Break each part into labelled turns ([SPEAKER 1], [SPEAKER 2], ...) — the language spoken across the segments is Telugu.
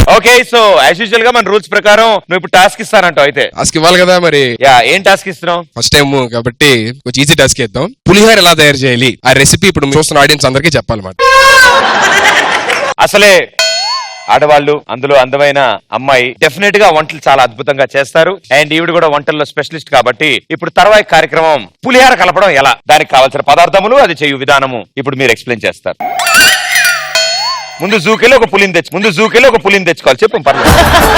[SPEAKER 1] ఓకే, సో యాజ్ యూజువల్ గా మన రూల్స్ ప్రకారం నువ్వు ఇప్పుడు టాస్క్ ఇస్తానంటావు. అయితే
[SPEAKER 2] టాస్క్ ఇవ్వాలి కదా మరి.
[SPEAKER 1] యా, ఏం టాస్క్ ఇస్తున్నావు?
[SPEAKER 2] ఫస్ట్ టైం కాబట్టి కొంచెం ఈజీ టాస్క్ ఇద్దాం. పులిహోర ఎలా తయారు చేయాలి ఆ రెసిపీ ఇప్పుడు చూస్తున్న ఆడియన్స్ అందరికీ చెప్పాలన్నమాట.
[SPEAKER 1] అసలే ఆడవాళ్ళు, అందులో అందమైన అమ్మాయి డెఫినెట్ గా వంటలు చాలా అద్భుతంగా చేస్తారు. అండ్ ఈవిడ కూడా వంటల్లో స్పెషలిస్ట్ కాబట్టి ఇప్పుడు తర్వాయి కార్యక్రమం పులిహార కలపడం ఎలా, దానికి కావాల్సిన పదార్థములు, అది చేయు విధానము ఇప్పుడు మీరు ఎక్స్ప్లెయిన్ చేస్తారు. ముందు జూకెళ్ళి ఒక పులిని తెచ్చుకోవాలి. చెప్పు పర్లేదు.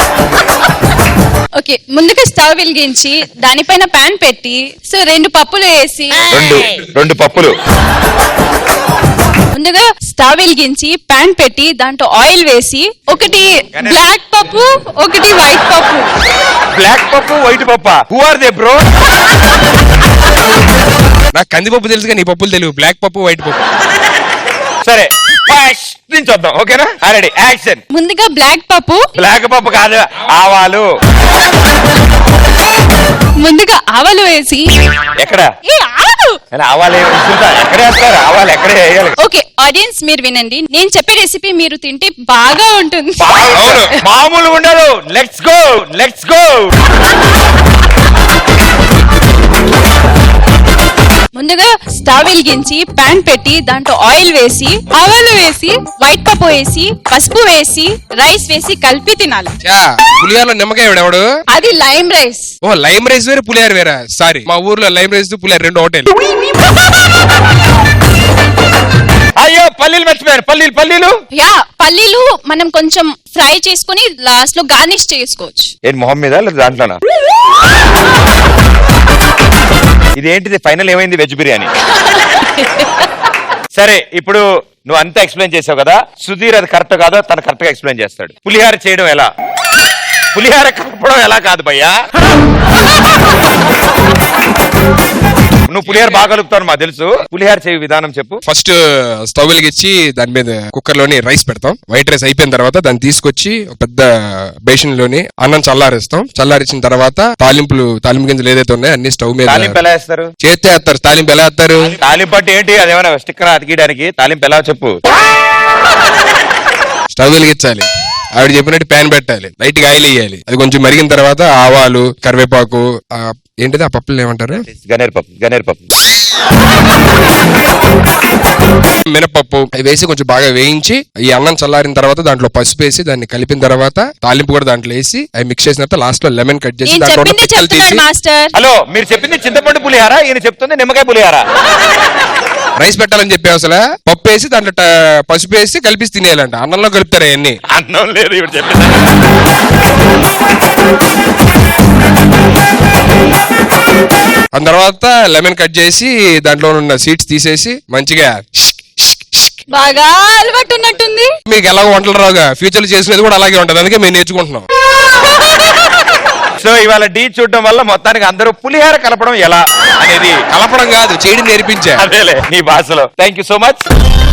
[SPEAKER 3] ఓకే, ముందుగా స్టవ్ వెలిగించి దానిపైన పాన్ పెట్టి సో 2 పప్పులు వేసి
[SPEAKER 1] రెండు పప్పులు
[SPEAKER 3] ముందుగా స్టవ్ వెలిగించి పాన్ పెట్టి దాంట్లో ఆయిల్ వేసి ఒకటి బ్లాక్ పప్పు ఒకటి వైట్ పప్పు.
[SPEAKER 1] బ్లాక్ పప్పు వైట్ పప్పా? Who are they bro?
[SPEAKER 2] నాకు కందిపప్పు తెలుసు కానీ ఈ పప్పులు తెలియదు. బ్లాక్ పప్పు వైట్ పప్పు.
[SPEAKER 1] సరే చూద్దాం. ఓకేనా? Ready, action.
[SPEAKER 3] ముందుగా బ్లాక్
[SPEAKER 1] పప్పు కాదు, ఆవాలు.
[SPEAKER 3] ముందుగా ఆవాలు వేసి
[SPEAKER 1] ఎక్కడ
[SPEAKER 3] ఆవాలు
[SPEAKER 1] ఎక్కడే వేస్తారు? ఆవాలు ఎక్కడే వేయాలి?
[SPEAKER 3] ఓకే ఆడియన్స్ మీరు వినండి, నేను చెప్పే రెసిపీ మీరు తింటే బాగా ఉంటుంది.
[SPEAKER 1] మామూలు ఉండదు. Let's go.
[SPEAKER 3] ముందుగా స్టవ్ వెలిగించి పాన్ పెట్టి దాంట్లో ఆయిల్ వేసి ఆవాలు వేసి వైట్ పప్పు వేసి పసుపు వేసి రైస్ వేసి కలిపి తినాలి.
[SPEAKER 2] పులిహోరలో నిమ్మకాయ ఎవడు?
[SPEAKER 3] అది లైమ్ రైస్.
[SPEAKER 2] ఓ, లైమ్ రైస్ వేరే పులిహోర వేరా? సారీ, మా ఊర్లో లైమ్ రైస్ పులిహోర రెండు హోటల్.
[SPEAKER 1] అయ్యో, పల్లీలు మర్చిపోయారు. పల్లీలు
[SPEAKER 3] పల్లీలు మనం కొంచెం ఫ్రై చేసుకుని లాస్ట్ లో గార్నిష్ చేసుకోవచ్చు.
[SPEAKER 1] ఏంటి మొహం మీద లేదా దాంట్లోనా? ఇదేంటిది ఫైనల్ ఏమైంది? వెజ్ బిర్యానీ. సరే, ఇప్పుడు నువ్వు అంతా ఎక్స్ప్లెయిన్ చేసావు కదా, సుధీర్ అది కరెక్ట్ కాదో తను కరెక్ట్ గా ఎక్స్ప్లెయిన్ చేస్తాడు. పులిహార చేయడం ఎలా, పులిహార కలపడం ఎలా కాదు భయ్యా. నువ్వు పులిహార బాగా కలుపుతావు మాకు తెలుసు. పులిహార చేయ విధానం చెప్పు.
[SPEAKER 2] ఫస్ట్ స్టవ్ వెలిగించి దాని మీద కుక్కర్ లోని రైస్ పెడతాం. వైట్ రైస్ అయిపోయిన తర్వాత దాన్ని తీసుకొచ్చి ఒక పెద్ద బేషన్ లోని అన్నం చల్లారిస్తాం. చల్లారించిన తర్వాత తాలింపు గింజలు ఏదైతే ఉన్నాయో అన్ని స్టవ్ మీద.
[SPEAKER 1] తాలింపు ఎలా వేస్తారు?
[SPEAKER 2] చేస్తే వేస్తారు. తాలింపు ఎలా వేస్తారు?
[SPEAKER 1] తాలింపు అంటే ఏంటి? అదేమైనా స్టిక్కర్ అతికియడానికి? తాలింపు ఎలా చెప్పు.
[SPEAKER 2] స్టవ్ వెలిగించాలి, ఆవిడ చెప్పినట్టు ప్యాన్ పెట్టాలి, లైట్ గా ఆయిల్ వేయాలి. అది కొంచెం మరిగిన తర్వాత ఆవాలు, కరివేపాకు, ఏంటిది ఆ పప్పులు ఏమంటారు?
[SPEAKER 1] గనేర్పప్పు,
[SPEAKER 2] మినపప్పు అవి వేసి కొంచెం బాగా వేయించి ఈ అన్నం చల్లారిన తర్వాత దాంట్లో పసుపు వేసి దాన్ని కలిపిన తర్వాత తాలింపు కూడా దాంట్లో వేసి అవి మిక్స్ చేసిన తర్వాత లాస్ట్ లో లెమన్ కట్ చేసి దాంట్లో తీసి.
[SPEAKER 1] హలో, మీరు చెప్పింది చింతపండు పులిహార, ఈయన చెప్తుంది నిమ్మకాయ పులిహార.
[SPEAKER 2] రైస్ పెట్టాలని చెప్పి అసలు పప్పు వేసి దాంట్లో పసుపు వేసి కలిపి తినేయాలంట. అన్నంలో కలుపుతారు అవన్నీ.
[SPEAKER 1] అన్నం లేదు ఇప్పుడు చెప్పింది.
[SPEAKER 2] ఆ తర్వాత లెమన్ కట్ చేసి దాంట్లో ఉన్న సీడ్స్ తీసేసి మంచిగా
[SPEAKER 3] బాగా అలవాటు ఉన్నట్టుంది.
[SPEAKER 2] మీకు ఎలాగో వంటలు రావుగా, ఫ్యూచర్ లో చేసినది కూడా అలాగే ఉంటది, అందుకే మేము నేర్చుకుంటున్నాం.
[SPEAKER 1] సో ఇవాళ డీ చూడడం వల్ల మొత్తానికి అందరూ పులిహార కలపడం ఎలా అనేది,
[SPEAKER 2] కలపడం కాదు చేయడం నేర్పించా.
[SPEAKER 1] అదేలే నీ భాషలో. Thank you so much.